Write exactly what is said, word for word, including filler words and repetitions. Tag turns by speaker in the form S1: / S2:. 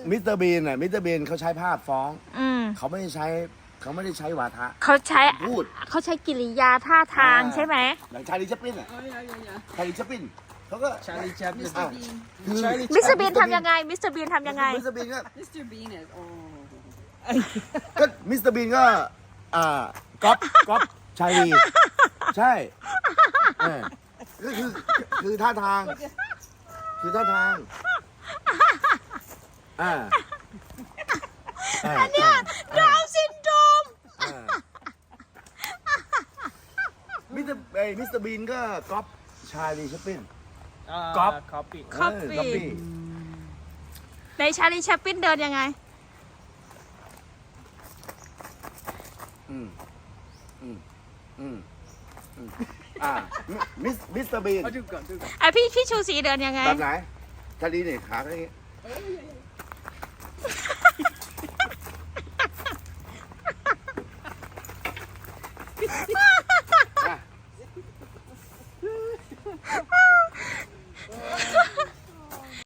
S1: มิสเตอร์บีนน่ะมิสเตอร์บีนเขาใช้ภาพฟ้อง
S2: อืม
S1: เขาไม่ได้ใช้เขาไม่ได้ใช้วาทะ
S2: เขาใช้
S1: พูด
S2: เขาใช้กิริยาท่าทาง
S1: อ่า
S2: ใช่ไหม
S1: อย่างชาลีชัปลินอ่ะ
S3: Oh yeah, yeah, yeah.
S1: ชาลีชัปลินเขาก็
S4: Charlie Chaplin.
S3: Mister Bean.
S1: คือ
S4: Charlie
S2: มิสเตอร์บีนทำยังไง มิสเตอร์บีนทำยังไง
S1: มิสเตอร์บีนก็
S3: Mister Bean is oh.
S1: ก็มิสเตอร์บีนก็อ่าก๊อปก๊อปชาลีใช่เออก็คือคือท่าทาง คือท่าทางอ่าอันเนี้ย
S2: ดาวน์ซินโดรม
S1: มิสเตอร์ไอ้มิสเตอร์บีนก็ก๊อปชาลีชัปลิน
S4: Uh,
S1: Cop.
S4: Copy.
S1: เออ copy
S2: ในชาลีแชปปินเดินยังไง
S1: อืมอืมอืมอืมอ่ามิสมิสเตอร์บีน
S4: Oh, juga, juga.
S2: ไอพี่พี่ชูศรีเดินยังไง
S1: แบบไหนชาลีเนี่ยขาอย่างงี้